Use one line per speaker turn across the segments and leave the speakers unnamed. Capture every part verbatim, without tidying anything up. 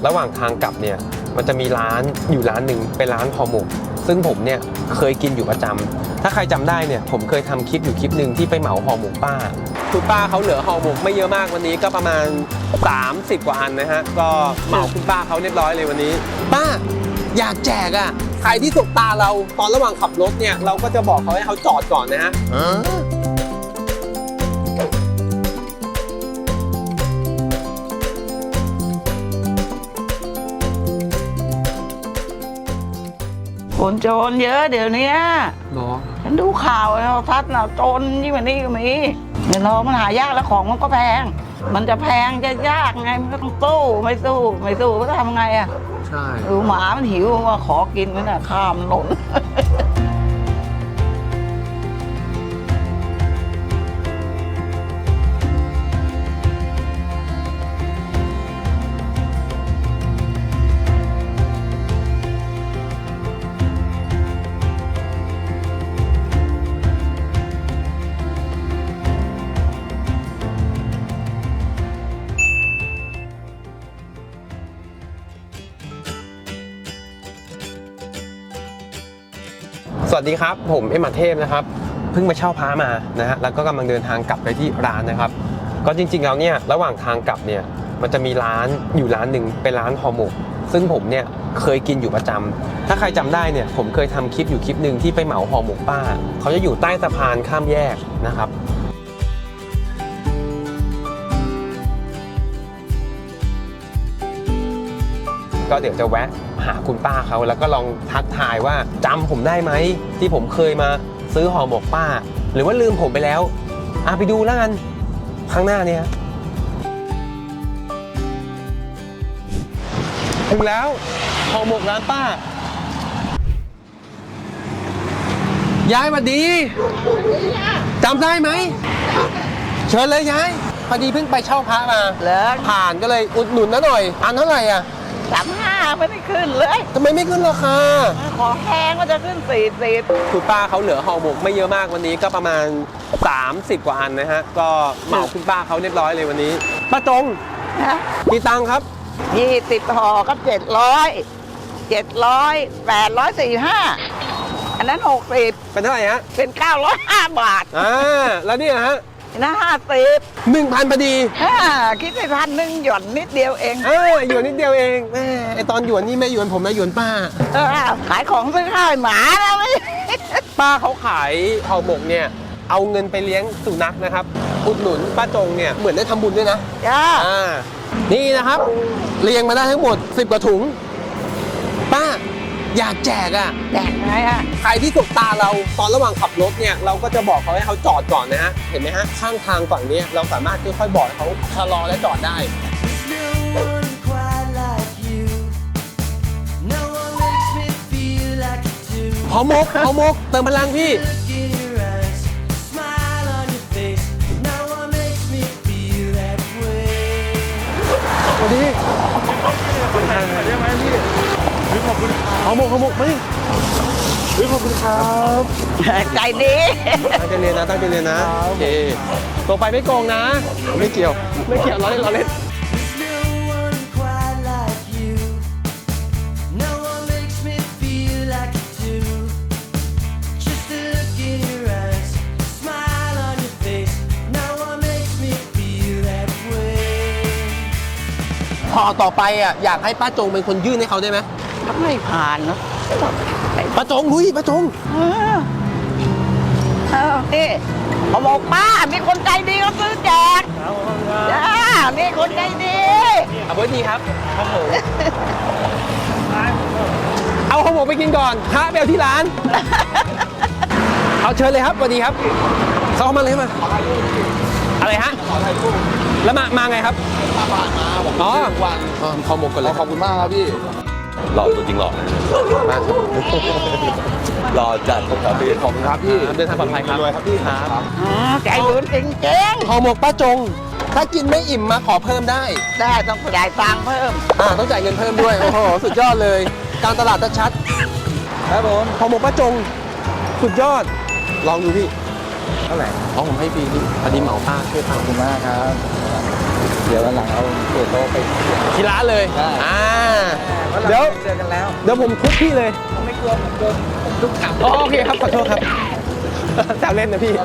ระหว่างทางกลับเนี่ยมันจะมีร้านอยู่ร้านหนึ่งเป็นร้านห่อหมกซึ่งผมเนี่ยเคยกินอยู่ประจำถ้าใครจำได้เนี่ยผมเคยทำคลิปอยู่คลิปหนึ่งที่ไปเหมาห่อหมกป้าคุณป้าเขาเหลือห่อหมกไม่เยอะมากวันนี้ก็ประมาณสามสิบกว่าอันนะฮะก็เหมาคุณป้าเขาเรียบร้อยเลยวันนี้ป้าอยากแจกอ่ะใครที่สบตาเราตอนระหว่างขับรถเนี่ยเราก็จะบอกเขาให้เขาจอดก่อนนะฮะ
คนโจรเยอะเดี๋ยวนี้
เนาะ
ฉันดูข่าวเราทัดนะโจรยิ่งกว่านี้ก็มีเงินทองมันหายากแล้วของมันก็แพงมันจะแพงจะยากไงมันก็ต้องสู้ไม่สู้ไม่สู้ก็ทำไงอ่ะ
ใช่
ดูหมามันหิวว่าขอกินมันน่ะข้ามหล่น
สวัสดีครับผมเอ็มอาเทพนะครับเพิ่งมาเช่าพระมานะฮะแล้วก็กำลังเดินทางกลับไปที่ร้านนะครับก็จริงๆแล้วเนี่ยระหว่างทางกลับเนี่ยมันจะมีร้านอยู่ร้านหนึ่งเป็นร้านห่อหมกซึ่งผมเนี่ยเคยกินอยู่ประจำถ้าใครจำได้เนี่ยผมเคยทำคลิปอยู่คลิปหนึ่งที่ไปเหมาห่อหมกป้าเขาจะอยู่ใต้สะพานข้ามแยกนะครับก็เดี๋ยวจะแวะหาคุณป้าเขาแล้วก็ลองทักทายว่าจำผมได้ไหมที่ผมเคยมาซื้อห่อหมกป้าหรือว่าลืมผมไปแล้วอ่ะไปดูแล้วกันข้างหน้าเนี่ยถึงแล้วห่อหมกร้านป้ายายสวัสดีจำได้ไหมเชิญเลยยายพอดีเพิ่งไปเช่าพระมา
เหรอ
ผ่านก็เลยอุดหนุนนะหน่อยอันเท่าไหร่อ่ะ
สามห้าไม่ได้ขึ้นเลย
ทำไมไม่ขึ้นราคา
ของแพงก็จะขึ้นสี่สิบ
คุณป้าเขาเหลือห่อหมกไม่เยอะมากวันนี้ก็ประมาณสามสิบกว่าอันนะฮะก็เหมาคุณป้าเขาเรียบร้อยเลยวันนี้ป้าจงกี่ตังค์ครับ
ยี่สิบห่อก็เจ็ดร้อยเจ็ดร้อยแปดร้อยสี่ห้าอันนั้นหกสิบ
เป็นเท่าไหร่ฮะ
เป็นเก้าร้อยห้าบาท
อ่าแล้วเนี่ยฮะ
นะห้าสิบ
หนึ่งพันพอดี
คิดไปพันหนึ่งหย่อนนิดเดียวเอง
เออหยวนนิดเดียวเองแม่ไอตอนหยวนนี่ไม่หยวนผมนะหยวนป้า
ขายของซื้อข้าวหมาแล้วไม่
ป้าเขาขายห่อหมกเนี่ยเอาเงินไปเลี้ยงสุนัขนะครับอุดหนุนป้าจงเนี่ยเหมือนได้ทำบุญด้วยนะ
จ้า
อ่านี่นะครับเรียงมาได้ทั้งหมดสิบกว่าถุงป้าอยากแจกอ่ะ
แจกไงอ่ะ
ใครที่สบตาเราตอนระหว่างขับรถเนี่ยเราก็จะบอกเขาให้เขาจอดก่อนนะฮะเห็นไหมฮะข้างทางฝั่งนี้เราสามารถค่อยๆบอกให้เขาชะลอและจอดได้ห่อหมกห่อหมกเติมพลังพี่สวัสดีคนไทยได้ไหมพี่ขอบคุณห่อหมกห่อหมกมาดิขอบคุณครับ
ใจดี
ตั้งใจเรียนนะตั้งใจเรียนนะโอเคตรงไปไม่โกงนะไม่เกี่ยวไม่เกี่ยวเราเล่นเราเล่นพอต่อไปอ่ะอยากให้ป้าจงเป็นคนยื่นให้เขาได้ไหม
ไม่ผ่านเนาะ
ป้าจงลุยป้าจง
เออเออนี่เขาบอกป้ามีคนใจดีเขาซื้อแจกจ้ามีคนใจดี
เอาเบอร์ดีครับครับผมเอาห่อหมกไปกินก่อนพระไปเอาที่ร้านเอาเชิญเลยครับสวัสดีครับเขาเข้ามาเลยมาอะไรฮะแล้วมามาไงครับอ๋อวันห่อหมกก่อนเลย
ขอบคุณมากครับพี่หล่อตัวจริงหล่อ
มา
หล่อจัดครับพี่ขอบคุณครับพี่
เดินทางปลอดภัยครับ
ครับพี่ครับ
ใจบุญจริงจริง
ห่อหมกป้าจงถ้ากินไม่อิ่มมาขอเพิ่มได้
ได้ต้องจ่ายตังค์เพิ่ม
อ่าต้องจ่ายเงินเพิ่มด้วยโอ้โหสุดยอดเลยการตลาดชัด
ครับผม
ห่อหมกป้าจงสุดยอดลองดูพี่
เท่าไหร่
อ๋อผมให้ฟรีพี่พอดีเหมาป้าช่วยป้า
ขอบคุณมากครับเดี๋ยววันหลังเอาเกล็ดโตไป
ที่ร้านเลยอ่าเดี๋ยว
เจอกันแล้ว
เดี๋ยวผมทุบพี่เลย
ผมไม่กลัวผมกลัวผมทุกขับ
อ๋อโอเคครับขอโทษครับแซวเล่นนะพี่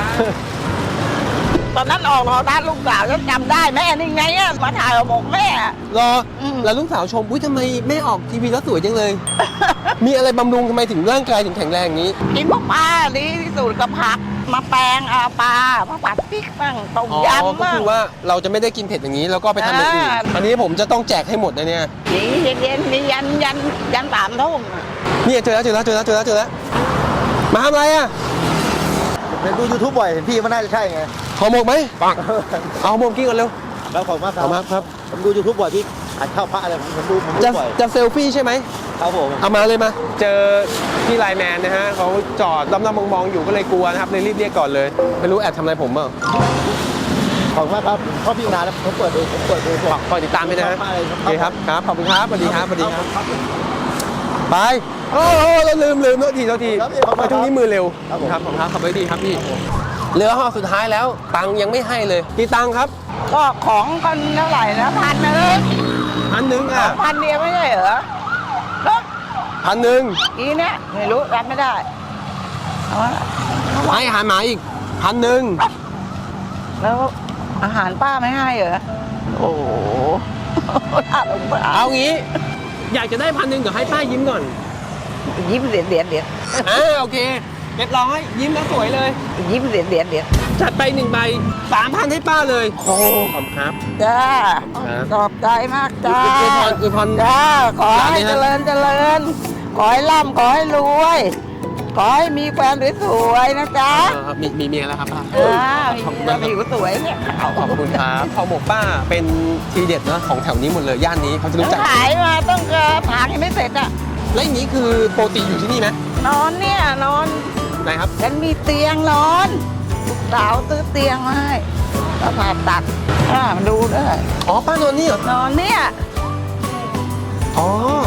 ตอนนั้นออกรอด้านลูกสาวฉันจำได้แม่นี่ไงอะมาถ่ายเอาบอกแม่อะ
รอ
อืม
แล้วลูกสาวชมอุ้ยทำไมแม่ออกทีวีแล้วสวยจังเลย มีอะไรบำรุงทำไมถึงร่างกายถึงแข็งแรงอย่างนี้
กินพวกปลาดีที่สุดกับผัก มาแปลงเอาปลามาผัดพริกบ้างต้ม
อ๋อย
ำ
ก็
บ้าง
คือว่าเราจะไม่ได้กินเผ็ดอย่างนี้ แล้วก็ไปทำอย่างอื่น
อ่า
อันนี้ผมจะต้องแจกให้หมดนะเนี่ย
นี่เย็นๆมียันยันยันสามทุ่ม
นี่เจอแล้วเจอแล้วเจอแล้วเจอแล้วเจอแล้วมาทำอะไรอ่ะ
เห็นดูยูทูบบ่อยเห็นพี่มันน่าจะใช่ไง
ห่อหมกไหมเอาห่อหมกกินก่อนเร็ว
แล้วผมมาครั
เอามาครับ
ผมดูยูทูบบ่อยพี่อ่านข้าวพระอะไรผมผมดูผมดู
จะ
บ่อย
จะเซลฟี่ใช่ไหม
ครับผม
เอามาเลยมา เจอพี่ไลน์แมนนะฮะเขาจอดล้อมๆมองๆอยู่ก็เลยกลัวนะครับเลยรีบเรียกก่อนเลยไม่รู้แอบทำอะไรผมเปล่า
ขอบคุณมากครับชอบพี่นานแล้วผมเปิดดูผมเปิดดูผม
ฝากคอยติดตามด้วยนะฮะ
ชอบมากเลย
โอเคครับครับขอบคุณครับสวัสดีครับสวัสดีครับ
ครับ
ไปโอ้โหเราลืมลืมโทษทีโทษที
ครับพี่ขอบคุณ
ไปช่วงนี้มือเร็ว
ครับผม
ครับผมครับขับไปดีครับพี่เหลือห่อสุดท้ายแล้วตังค์ยังไม่ให้เลยกี่ตังค์ครับ
ก็ของกันเท่าไหร่นะพันนะเลย
พันหนึ่งอ่ะ
พันเดียวไม่ใช่เหรอแล้ว
พันหนึ่ง
อีเนี่ยไม่รู้รับไม่ได้เอาวะ
ให้อาหารหมาอีกพันหนึ่ง
แล้วอาหารป้าไม่ให้เหรอโอ้โหน่าสงสาร
เอางี้ อยากจะได้พันหนึ่งเดี๋ยวให้ป้ายิ้มก่อน
ยิ้มเดียดเดียดเดียด
อ่าโอเคเรียบร้อยยิ้มแล้วสวยเลย
ยิ้มเดียดเดียดเดียด
จัดไปหนึ่งใบสามพันให้ป้าเลยโอ้ขอบคุณครับ
จ้า
ครับ
ขอบใจมากจ้า
อวยพรอวยพร
จ้าขอ
ร้าน
ให้
นี้นะ
เจริญเจริญขอให้ร่ำขอให้รวยขอให้มีแฟนสวยๆนะจ๊ะ
เออครับมีมีเมียแล้วครับป้า
อ่า
ขอบคุณ
จะ
มาก
มีผู้สวยเนี่ย
ขอบคุณครับข้าวหมกป้าเป็นทีเด็ดนะของแถวนี้หมดเลยย่านนี้เขาจะรู้จัก
ขายมาต้องเกินผางยังไม่เสร็จอ่ะ
และอย่างนี้คือโปรตีอยู่ที่นี่ไหม
นอนเนี่ยนอน
ไหนครับ
ฉันมีเตียงนอนลูกสาวซื้อเตียงมาให้แล้วผ่าตัดอ่ามาดูด้วย
อ๋อป้านอนนี่เหรอน
อนเนี่ย
อ๋อ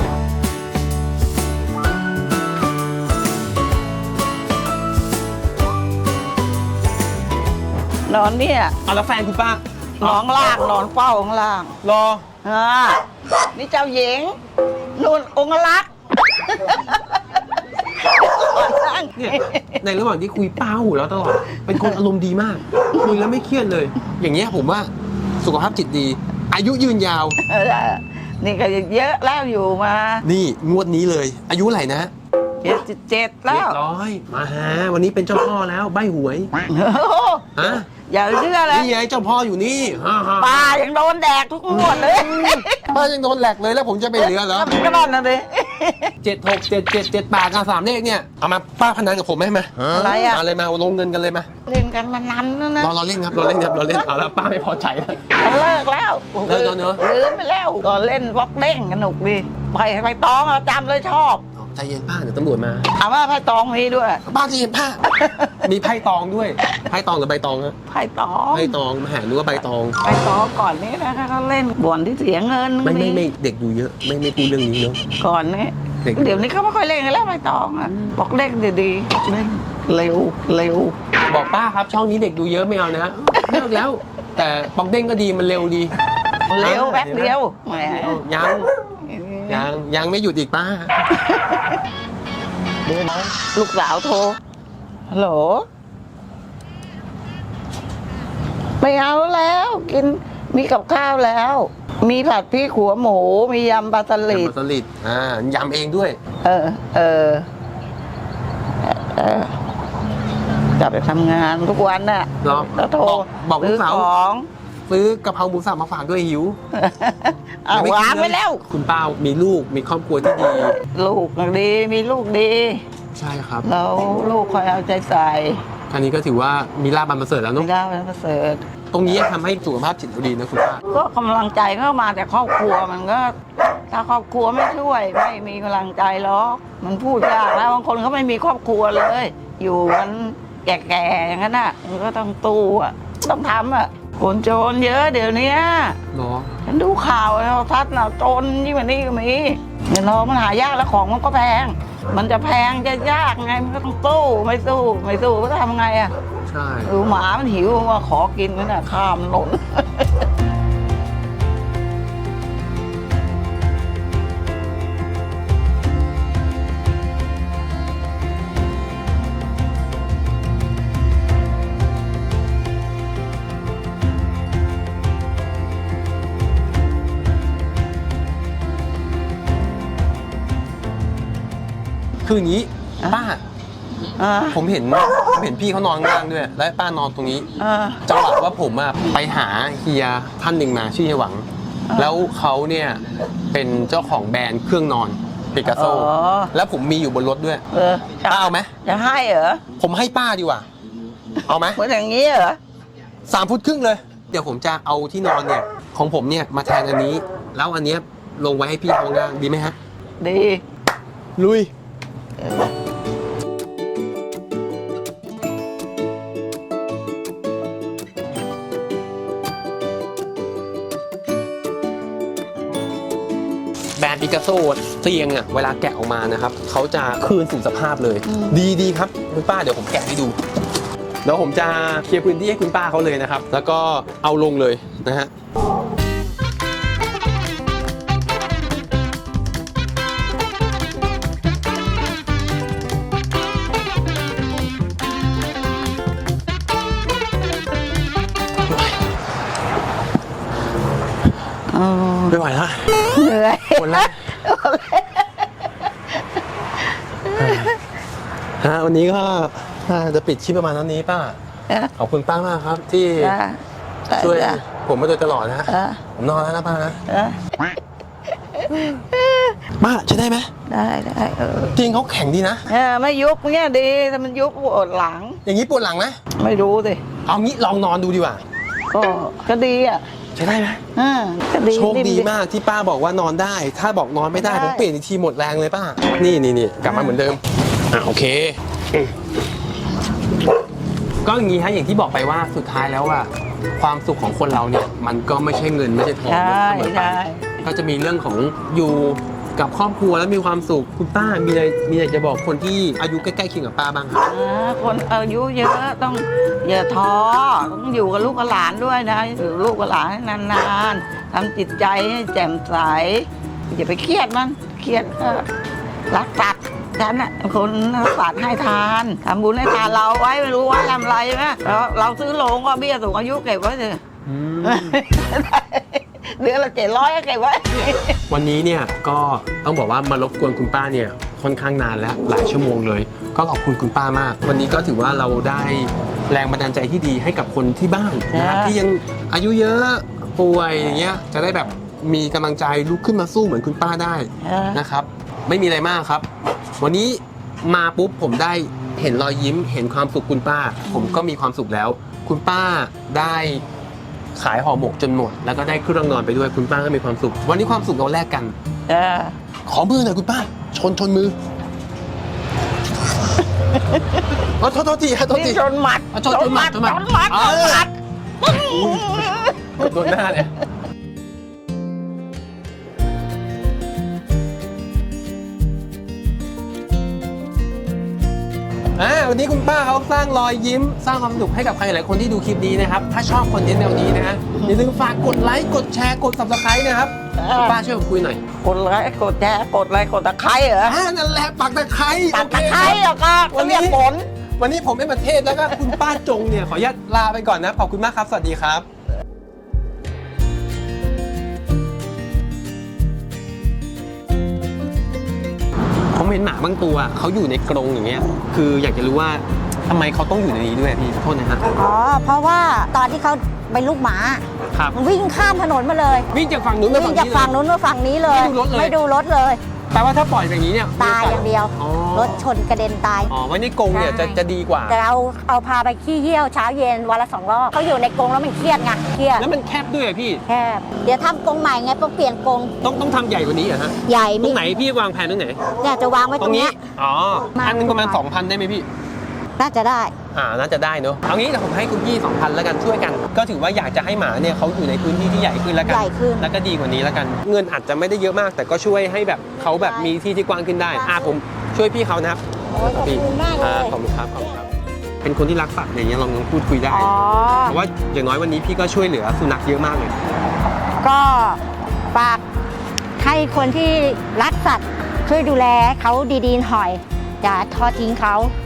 นอนเนี่ย
เอาแล้วแฟนคุณป้า
นอนล่างนอนเฝ้าข้างล่าง
รอ
อ่านี่เจ้าหญิงนุ่นองค์รักษ์
เนี่ยในระหว่างที่คุยป้าหูแล้วตลอดเป็นคนอารมณ์ดีมากคุยแล้วไม่เครียดเลย อย่างเงี้ยผมว่าสุขภาพจิตดี อายุยืนยาว
เออนี่ก็เยอะแล้วอยู่มา
นี่งวดนี้เลย อายุเท่าไหร่นะ
เจ็ดสิบเจ็ดแล้
เรี
วย
บร้อยมาฮะวันนี้เป็นเจ้าพ่อแล้วใบหวย
โอ้โห
ฮะ
อย่าเชื่อเลย
นี่ไงเจ้าพ่ออยู่นี่ฮ่าฮ่า
ปลายังโดนแดกทุกงวดเลย
ป้ายังโดนแหลกเลยแล้วผมจะไปเหลือเหรอ
ก็นั่นนะดิ
เจ็ดหกเจ็ดเจ็ดเจ็ดแปดกันสามเลขเนี่ยเอามาป้าพนันกับผมไหมมา
อะไรอ่ะ
มาเลยมาลงเงินกันเลยมา
เล่นกันมานานแล้วนะ
รอเราเล่นครับเราเล่นครับเราเล่นเอาแล้วป้าไม่พอใจแล้ว
เลิกแล้ว
เลิกแล้วเนอะ
ลืมไปแล้วก็เล่นบล็อกเด้งสนุกดีไปไปตองเราจำเลยชอบ
ใจเย็นป้าเดี๋ยวตำรวจมา
ถามว่าไพ่ตองมีด้วย
ป้าใจเย็นป้า มีไพ่ตองด้วยไพ่ตองหรือใบตองฮะ
ไพ่ตอง
ไพ่ตองมาหารู้ว่าใบตอง
ไพ่ตองก่อนนี้นะเขาเล่นบ่อนที่เสียเงิน
ไม่ไม่ไม่เด็กดูเยอะ ไม่ไม่พูดเรื่องนี้เนาะ
ก่อนนี้
เด็ก
เดี๋ยวนี้เขาไม่ค่อยเล่นกันแล้วไพ่ตองอ่ะบอกเล่นดีๆเล่นเร็วเร็ว
บอกป้าครับช่องนี้เด็กดูเยอะไม่เอานะเลิกแล้ว แต่ปองเด้งก็ดีมันเร็วดี
เร็วแป๊บเดียวแหม
ยังยังยังไม่หยุดอีกป้า
เดี๋ยวนะลูกสาวโทรฮัลโหลไม่เอาแล้ว กินมีกับข้าวแล้ว มีผัดพริกขัวหมู มียำปลาสลิด
ยำปลาสลิดอ่ายำเองด้วย
เออ เออเออจะไปทำงานทุกวันน่ะ
เหรอ
แล้วโทร
บอกบอกลูกสาว
ซื้อของ
ซื้อกะเพราหมูสับมาฝากด้วยหิว
เอา
ยังม่
วา
กิ
ง
น
ไป
เย
แล้ว
คุณป้ามีลูกมีครอบครัวที่ดี
ลูกดี มีลูกดี
ใช่ครับ
แล้วลูกคอยเอาใจใส่
ครั้นี้ก็ถือว่ามีลาบอันประเสริฐแล้ว
ไม่
เนาะ
ได้เป็นประเสริฐ
ตรงนี้ทำให้สุขภาพจิตเราดีนะคุณป้า
ก็กำลังใจเข้ามาแต่ครอบครัวมันก็ ถ้าครอบครัวไม่ช่วย ไม่มีกำลังใจหรอกมันพูดยากแล้วบางคนเขาไม่มีครอบครัวเลย อยู่กันแก่ๆอย่างนั้นน่ะมันก็ต้องตู้อ่ะต้องทำอ่ะคนโจรเยอะเดี๋ยวนี้
เนาะ
ฉันดูข่าวเราทัดน่ะโจรยิ่งกว่านี้ก็มีเงินทองมันหายากแล้วของมันก็แพง มันจะแพงจะยากไงมันก็ต้องสู้ไม่สู้ไม่สู้ก็ทำไงอ่ะ
ใช่
ดูหมามันหิวมาขอกินมันน่ะข้ามถนน
คืออย่างนี้ป้า
อ่า
ผมเห็นผมเห็นพี่เขานอนข้างล่างด้วย และป้านอนตรงนี้
อ่า
จังหวะว่าผมอะไปหาเฮียท่านหนึ่งมาชื่อเฮียหวัง
อ่า
แล้วเขาเนี่ยเป็นเจ้าของแบรนด์เครื่องนอนปิกัสโซ
อ๋อ
แล้วผมมีอยู่บนรถด้วย
เออจะ
ป้าเอาไหม
จะให้เหรอ
ผมให้ป้าดีกว่า เอาไหม
เหมือนอย่างนี้เหรอ
สามฟุตครึ่งเลย เดี๋ยวผมจะเอาที่นอนเนี่ยของผมเนี่ยมาแทนอันนี้ แล้วอันเนี้ยลงไว้ให้พี่เขาล่างดีไหมฮะ
ดี
ลุย แบรนด์ปิกัสโซเตียงอ่ะเวลาแกะออกมานะครับเขาจะคืนสู่สภาพเลย ดีดีครับคุณป้าเดี๋ยวผมแกะให้ดูเดี๋ยวผมจะเคลียร์พื้นที่ให้คุณป้าเขาเลยนะครับ แล้วก็เอาลงเลยนะฮะไม่ไหวแล้ว
เหนื่อย
หมดแล้วฮะวันนี้ก็น่าจะปิดคลิปประมาณนั้นนี้ป้า
นะ
ขอบคุณป้ามากครับ ที่
จ้า
ช่วย
จ้า
ผมมาโดยตลอดนะฮะ
อ่า
ผมนอนแล้วนะป้านะ
อ่า
ป้าใช้ได้ไหม
ได้ได้เออ
จริงเขาแข็งดีนะ
เออไม่ยุบเงี้ยดีถ้ามันยุบปวดหลัง
อย่างนี้ปวดหลังไหม
ไม่รู้สิ
เอางี้ลองนอนดูดีกว่า
ก็ก็ดีอ่ะ
ใช้ได้ไหม
อ่าก็ดี
โชคดีมากที่ป้าบอกว่านอนได้ ถ้าบอกนอนไม่ได้
ได้
ผมเปลี่ยนอีกทีหมดแรงเลยป้า นี่นี่นี่กลับมาเหมือนเดิมอ่ะโอเคอืมก็อย่างนี้ฮะอย่างที่บอกไปว่าสุดท้ายแล้วอะความสุขของคนเราเนี่ยมันก็ไม่ใช่เงินไม่ใช่ทอง
ใช่
เสมอไป
ใช่
ก็จะมีเรื่องของอยู่กับครอบครัวแล้วมีความสุขคุณป้ามีอะไรมีอะไรจะบอกคนที่อายุใกล้ๆเคียงกับป้าบ้างครับ
อ่าคนอายุเยอะต้องอย่าท้อต้องอยู่กับลูกกับหลานด้วยนะอยู่กับลูกกับหลานให้นานๆทำจิตใจให้แจ่มใสอย่าไปเครียดมันเครียดก็รักสัตว์ฉันน่ะคนรักสัตว์ให้ทานทำบุญให้ทานเราไว้ไม่รู้ว่าทำอะไรไหมเราเราซื้อโรงก็เบี้ยสูงอายุเก็บไว้เถอะเดือนละเจ็ดร้อยก็เก็บไว้
วันนี้เนี่ยก็ต้องบอกว่ามารบกวนคุณป้าเนี่ยค่อนข้างนานแล้วหลายชั่วโมงเลย ก็ขอบคุณคุณป้ามาก วันนี้ก็ถือว่าเราได้แรงบันดาลใจที่ดีให้กับคนที่บ้านนะครับ
ครับ
ที่ยังอายุเยอะป่วยอย่างเงี้ยจะได้แบบมีกำลังใจลุกขึ้นมาสู้เหมือนคุณป้าได้
เออ
นะครับ ไม่มีอะไรมากครับ วันนี้มาปุ๊บผมได้เห็นรอยยิ้มเห็นความสุขคุณป้า ผมก็มีความสุขแล้ว คุณป้าได้ขายห่อหมกจนหมด แล้วก็ได้เครื่องนอนไปด้วยคุณป้าก็มีความสุข วันนี้ความสุขเราแลกกัน
เออ
ขอมือหน่อยคุณป้า ชนชนมือ โอ้โทษโทษทีฮะโทษที
นี่ชนหมัด
อ่ะชนชนหมัดชนหมัด
ชนหมัด
เอ
ชน
อ
หมัด
โดนหน้าเนี่ยอ่าวันนี้คุณป้าเขาสร้างรอยยิ้ม สร้างความสนุกให้กับใครหลายคนที่ดูคลิปนี้นะครับ ถ้าชอบคอนเทนต์แนวนี้นะฮะอย่าลืมฝากกดไลค์ กดแชร์ กด ซับสไครบ์ นะครับคุณป้าช่วยผมคุยหน่อย
กดไลค์กดแชร์กดอะไรกดตะไคร้เหรอ
อ่านั่นแหละปักตะไคร้
ตัด
โอเค
ตะไคร้เหรอก็
วันนี้
เรียกผล
วันนี้ผมเอ็มประเทศแล้วก็คุณป้าจงเนี่ยขออนุญาตลาไปก่อนนะ ขอบคุณมากครับ สวัสดีครับ ผมเห็นหมาบางตัวเขาอยู่ในกรงอย่างเงี้ย คืออยากจะรู้ว่าทำไมเขาต้องอยู่ในนี้ด้วยพี่ขอโทษนะฮะ
อ๋อ เพราะว่าตอนที่เขาเป็นลูกหมา
ครับ
มันวิ่งข้ามถนนมาเลย
วิ่งจากฝั่งนู้นมา
วิ่
ฝั่
ง
ง
จาก
นี้
ฝั่ง
เลย
นู้นมาฝั่งนี้เลย
ไม่ดูรถเลย
ไม่ดูรถเลย
แปลว่าถ้าปล่อยแบบนี้เนี่ย
ตายอย่างเดียว
อ๋อ
รถชนกระเด็นตาย
อ๋อไว้ในกรงเนี่ย
ใช่
จะจะดีกว่า
แต่เราเอาพาไปขี้เยี่ยวเช้าเย็นวันละสองรอบเขาอยู่ในกรงแล้วมันเครียดไงเครียด
แล้วมันแคบด้วยอะพี่
แคบเดี๋ยวทำกรงใหม่ไงต้องเปลี่ยนกรง
ต้องต้องทำใหญ่กว่านี้เหรอฮะ
ใหญ่
ตร
นี่
งไหนพี่วางแผนตรงไหน
เนี่ยจะวางไว้
ต
ต
ร
รง ง
นี้
เนี้ย
อ๋อ
มา
อันนึงประมาณ สองพัน ได้ไหมพี่
น่าจะได้
อ่า น่าจะได้เนอะเอางี้เดี๋ยวผมให้คุณพี่ สองพัน แล้วกันช่วยกัน ก็ถือว่าอยากจะให้หมาเนี่ยเขาอยู่ในพื้นที่ที่ใหญ่ขึ้นแล้วกัน
ใหญ่ขึ้น
แล้วก็ดีกว่านี้แล้วกัน เงินอาจจะไม่ได้เยอะมาก แต่ก็ช่วยให้แบบเขาแบบมีที่ที่กว้างขึ้นได้ อ่าผมช่วยพี่เขานะครับ
โอ้ยขอบคุณมากเลย
อ่ขอบคุณครับขอบคุณครับ เป็นคนที่รักสัตว์อย่างเงี้ยลองพูดคุยได้
อ๋อ
เพราะว่าอย่างน้อยวันนี้พี่ก็ช่วยเหลือสุนัขเยอะมากเลย
ก็ฝากให้คนที่รักสัตว์ช่วยดูแลเขาดีๆหน่อยอย่าทอดทิ้งเขา